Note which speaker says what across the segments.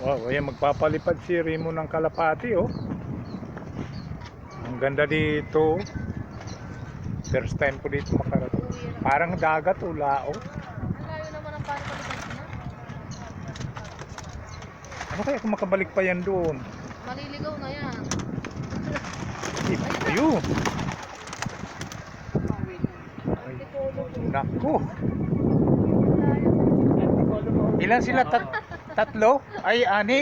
Speaker 1: Oh, ayan, magpapalipad si Remo ng kalapati, oh. Ang ganda dito. First time ko dito makarating. Parang dagat o lao.
Speaker 2: Ang layo naman ang palipad mo.
Speaker 1: Ano kaya kung makabalik pa yan doon?
Speaker 2: Maliligaw na yan.
Speaker 1: Ayun. Ay, naku. Ilan sila? Tatlo? Ay, anim.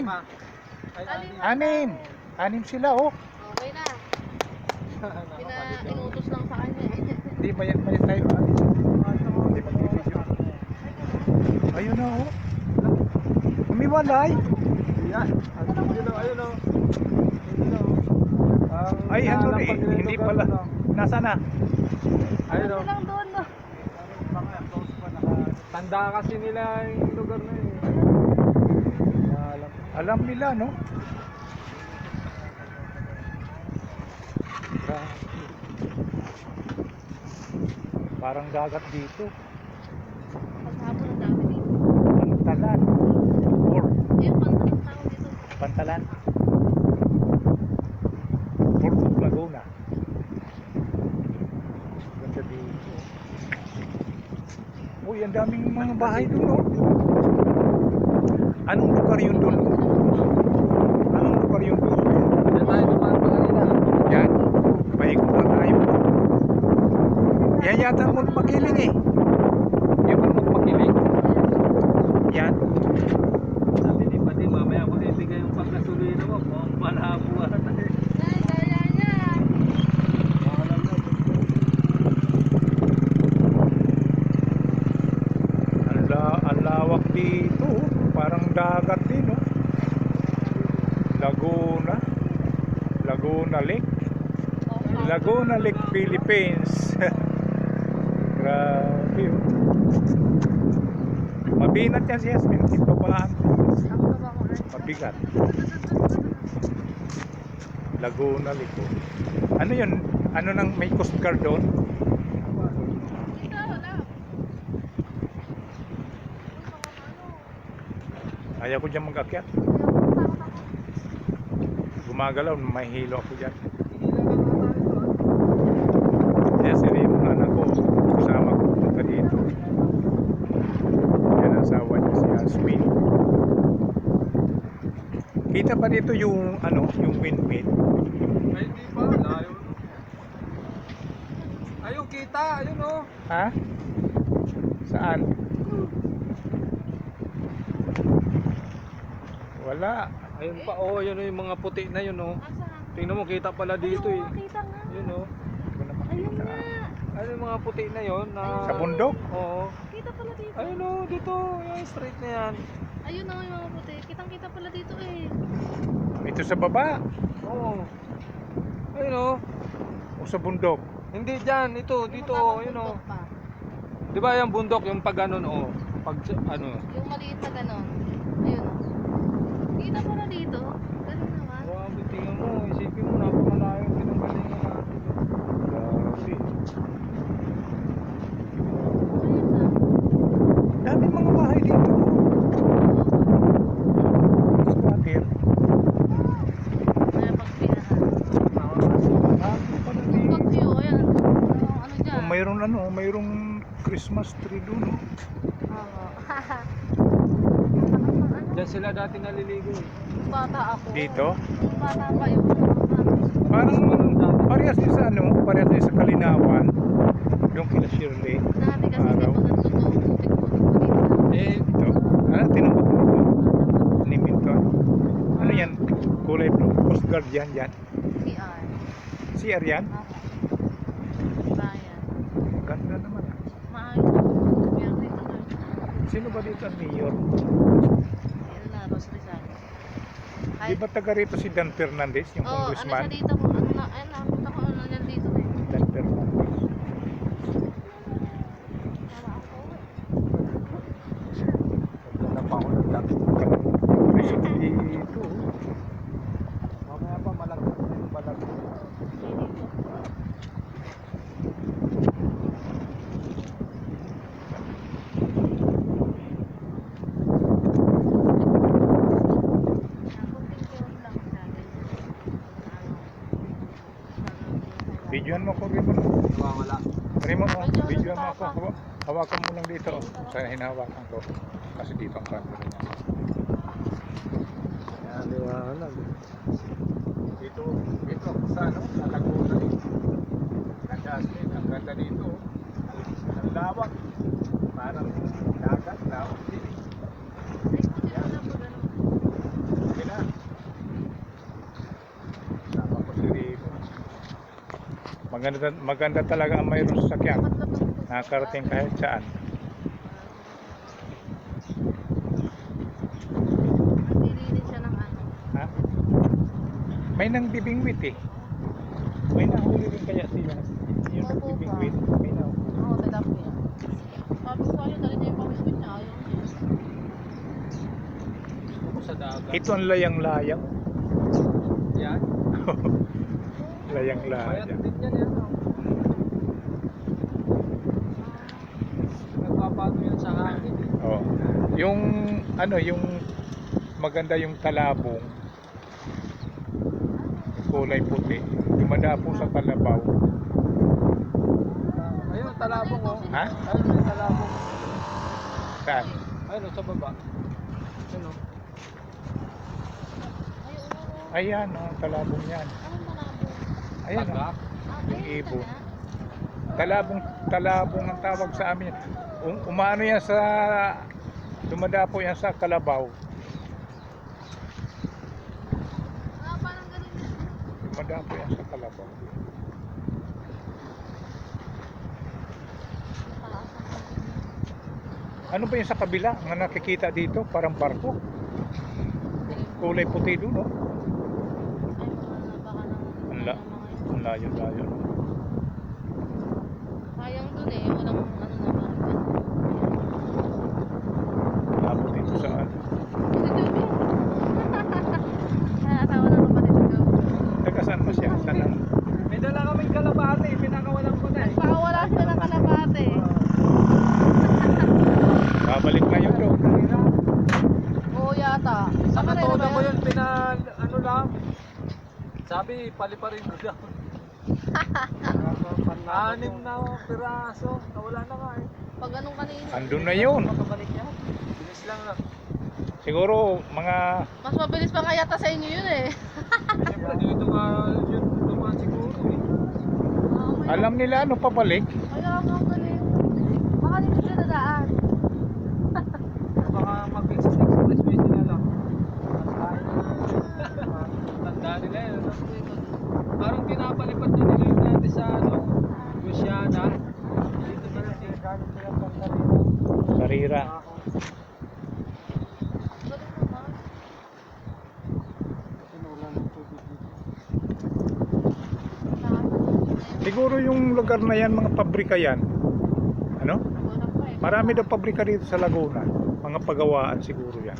Speaker 1: Anim sila, oh.
Speaker 2: Okay na. Inutos lang sa kanya eh.
Speaker 1: Hindi, mayat tayo. Hindi magbibideo. Ayun na, oh. Umiwalay.
Speaker 3: Yan. Ayun o.
Speaker 1: Ay, ano na eh. Hindi pala. Nasaan na?
Speaker 3: Ayun o.
Speaker 2: Lang doon no.
Speaker 3: Tanda kasi nila yung lugar na yun.
Speaker 1: Alam nila, no? Grabe. Parang dagat dito.
Speaker 2: Paghapon ang dami dito.
Speaker 1: Pantalan. Or
Speaker 2: Yung pantalang tao dito.
Speaker 1: Pantalan. Port of Laguna. Ganda dito. Uy, ang daming mga bahay doon, oh. Anong lugar yun doon? Anong lugar yun doon?
Speaker 3: Diyan tayo dumaan pa kanina.
Speaker 1: Yan. Paikot lang tayo. Yan yata ang magpakiling eh.
Speaker 3: Yung magpakilig.
Speaker 1: Yan.
Speaker 3: Sabi ni Pati, mamaya ako ibigay yung pagkasulina mo. Malabo ata eh.
Speaker 2: Ay, kaya niya.
Speaker 1: Ang lawak dito. Parang dagat din, oh. Laguna Lake. Laguna Lake, Philippines. Grabe, oh. Mabinat yan si Yasmin. Ito pala mabigat. Laguna Lake, oh. Ano yun? Ano nang may Coast Guard doon?
Speaker 2: Dito, wala.
Speaker 1: Ayaw ko dyan mag-akyat. Gumagalaw, may hilo ako dyan. Yan si Remo, anak ko. Kasama ko punta dito. Yan ang asawa niya si Yasmin. Kita pa dito yung ano, yung windmill.
Speaker 3: Ay, hindi pa. Layo. Ayun, kita. Ayun o.
Speaker 1: Ha? Saan? Wala.
Speaker 3: Ayun pa. Oh, yun o yung mga puti na yun o.
Speaker 2: Asan?
Speaker 3: Tingnan mo, kita pala dito eh.
Speaker 2: Ayun, kita nga.
Speaker 3: Yun o.
Speaker 1: Hindi ko na
Speaker 2: Ayun
Speaker 1: makita.
Speaker 2: nga.
Speaker 3: Ano yung mga puti na yun? Na...
Speaker 1: Sa bundok?
Speaker 3: Oo.
Speaker 2: Kita pala dito.
Speaker 3: Ayun o, dito. Yung straight na yan.
Speaker 2: Ayun na yung mga puti. Kitang-kita pala dito eh.
Speaker 1: Ito sa baba.
Speaker 3: Oo. Ayun o.
Speaker 1: O sa bundok.
Speaker 3: Hindi dyan. Ito, dito.
Speaker 2: Yung
Speaker 3: Ayun o.
Speaker 2: bundok pa.
Speaker 3: Di ba yung bundok, yung pag ganon o. Pag ano.
Speaker 2: Yung maliit na ganon. Ayun o. Kita pala dito. Ganun naman.
Speaker 3: Grabe, tingnan mo. Isipin mo, napakalayo pinanggalingan natin.
Speaker 1: Grabe.
Speaker 2: Ayun na.
Speaker 1: Daming mga bahay dito. Squatter.
Speaker 2: Kaya pagpinahan.
Speaker 1: Dami pala
Speaker 2: Yung
Speaker 1: dito.
Speaker 2: pag-view, ayan. Ano dyan?
Speaker 1: Kung mayroong Christmas tree dun.
Speaker 2: Oo.
Speaker 3: Diyan sila dati naliligo eh.
Speaker 2: Bata ako.
Speaker 1: Dito?
Speaker 2: Bata pa yun.
Speaker 1: Parang parehas din sa ano, parehas din sa Kalinawan. Yung kila Shirley.
Speaker 2: Dati kasi
Speaker 1: Araw.
Speaker 2: dito nagsusuot. Putik-putik pa dito.
Speaker 3: Eh,
Speaker 1: Ito. Ano, tinubot mo ito? Ni Minton. Ano yan? Kulay blue. Coast Guard yan.
Speaker 2: CR.
Speaker 1: CR yan?
Speaker 2: Bayan.
Speaker 1: Ganda naman.
Speaker 2: Maayos ako. Meron dito doon.
Speaker 1: Sino ba dito ang mayor?
Speaker 2: Yan na, Ros Rizal.
Speaker 1: Di ba taga rito si Dan Fernandez, yung
Speaker 2: ano siya
Speaker 1: congressman?
Speaker 2: dito? Ano na, ayun na, punta ko ano yan dito eh.
Speaker 1: Dan Fernandez.
Speaker 2: Tama ako.
Speaker 3: ganda pa ako ng dami.
Speaker 1: Resort dito.
Speaker 3: Mamaya pa malagyan na yung balag.
Speaker 1: Hawakan mo lang dito. Sa hinahawakan ko. Kasi dito ang camera niya.
Speaker 3: Yan, liwanag.
Speaker 1: Dito sa ano, sa Laguna eh. Nag-asmin, ang ganda dito. Ang lawak. Parang dagat, lawak din. Okay na. Sama ko si Rico. Maganda talaga ang mayroon sa sakyan. Nakakarating kahit saan.
Speaker 2: Nililin siya ng ano.
Speaker 1: Ha? May nang bibingwit eh. May nahuli rin kaya sila. Yung
Speaker 2: Opo,
Speaker 1: nagbibingwit. May nahuli.
Speaker 2: Oo, tadap niya. Sabi ko sa'yo, dali niya yung pamingwit niya. Ayaw niya.
Speaker 3: Gusto ko sa dagat.
Speaker 1: Ito ang layang-layang.
Speaker 3: Yan.
Speaker 1: Layang-layang.
Speaker 3: Mayat din yan yan. oh. Nagpapato yan sa hangin. eh.
Speaker 1: Oh. Yung ano, yung maganda yung talabong. Kulay puti. Dumadapo sa kalabaw.
Speaker 3: Ayun, talabong oh.
Speaker 1: Ha?
Speaker 3: Ayun, may talabong.
Speaker 1: Saan?
Speaker 3: Ayun, sa baba. Ayun oh.
Speaker 1: Ayan, oh, talabong yan.
Speaker 2: Anong malabo?
Speaker 1: Ayan,
Speaker 3: Taga.
Speaker 1: oh, yung ibon. Talabong ang tawag sa amin. Umano yan sa, dumadapo yan sa kalabaw.
Speaker 2: Parang ganun yan.
Speaker 1: Dumadapo yan sa kalabaw. Ano ba yung sa kabila? Ang nakikita dito, parang barko. Kulay puti doon, oh.
Speaker 2: Ay, baka
Speaker 1: Ang layo-layo.
Speaker 2: sayang dun eh. Walang ano naman.
Speaker 1: Labot dito saan?
Speaker 2: Asawa ng kapatid ko.
Speaker 1: Taga saan mo siya? Saan ang...
Speaker 3: May dala kaming kalabate. Pinakawalan ko na eh.
Speaker 2: Pakawala sila ng kalabate.
Speaker 1: Babalik na yun doon.
Speaker 2: Oo yata.
Speaker 3: Sa
Speaker 2: Saka rin
Speaker 3: katoda
Speaker 2: naman
Speaker 3: ko
Speaker 2: yun.
Speaker 3: yun, ano lang. Sabi, paliparin mo daw. 6 na piraso. Nawala na nga eh.
Speaker 2: Pag anong kanina.
Speaker 1: Andun na yun.
Speaker 3: Makabalik yan. Bilis lang na.
Speaker 1: Siguro mga...
Speaker 2: Mas mabilis pa nga yata sa inyo yun eh.
Speaker 3: Siyempre dito nga yun naman siguro eh.
Speaker 1: Alam nila ano pabalik.
Speaker 2: Kaya nga galing. Baka dito sila dadaan.
Speaker 3: Baka mag-expressway sila lang. Tanda nila yun. ano? Parang pinapalipat na nila yung dati sa ano, Luciana. Dito na lang eh.
Speaker 1: Sarira.
Speaker 2: Galing naman.
Speaker 1: Siguro yung lugar na yan, mga pabrika yan. Ano?
Speaker 2: Wala pa eh.
Speaker 1: Marami daw pabrika dito sa Laguna. Mga pagawaan siguro yan.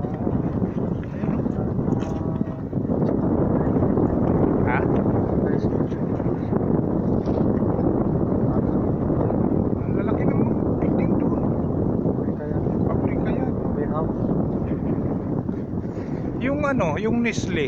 Speaker 1: Ha? Ang lalaki ng building doon. Pabrika yan. Yung ano, yung Nestle.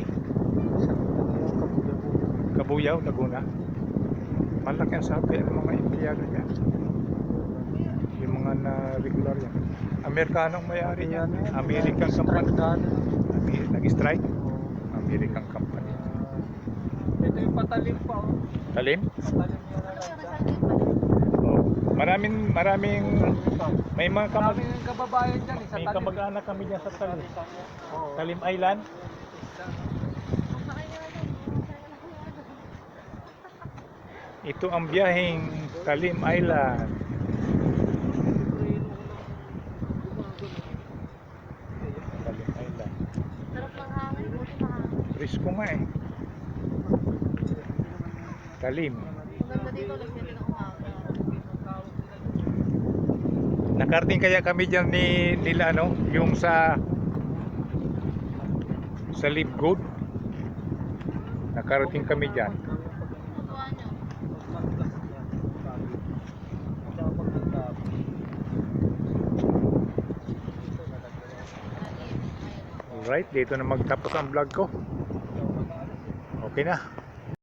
Speaker 1: Kabuyaw, Laguna. Malaki ang sabi ng mga empleyado niya. Yung mga na regular yan. Amerikano ang may-ari niya. American company. Nag-strike. American company.
Speaker 3: Ito yung patalim pa oh.
Speaker 1: Talim?
Speaker 3: Patalim yung
Speaker 2: Ano yung
Speaker 3: nalagyan.
Speaker 2: recycling pa?
Speaker 1: Oh. Maraming may mga
Speaker 3: Maraming kababayan dyan eh, sa
Speaker 1: may
Speaker 3: talim.
Speaker 1: kamag-anak kami diyan sa Talim.
Speaker 3: Oo.
Speaker 1: Talim Island.
Speaker 2: Masakay na lang.
Speaker 1: Ito ang biyaheng Talim Island. Talim Island.
Speaker 2: Sarap ng hangin. Buti mahangin.
Speaker 1: Risko nga eh. Talim.
Speaker 2: Maganda dito. Lagyan din ng umaga.
Speaker 1: Nakarating kaya kami diyan nila ano, yung sa Live Good. Nakarating kami diyan.
Speaker 2: Tutuan nyo.
Speaker 1: Alright, dito na magtapos ang vlog ko. Okay na.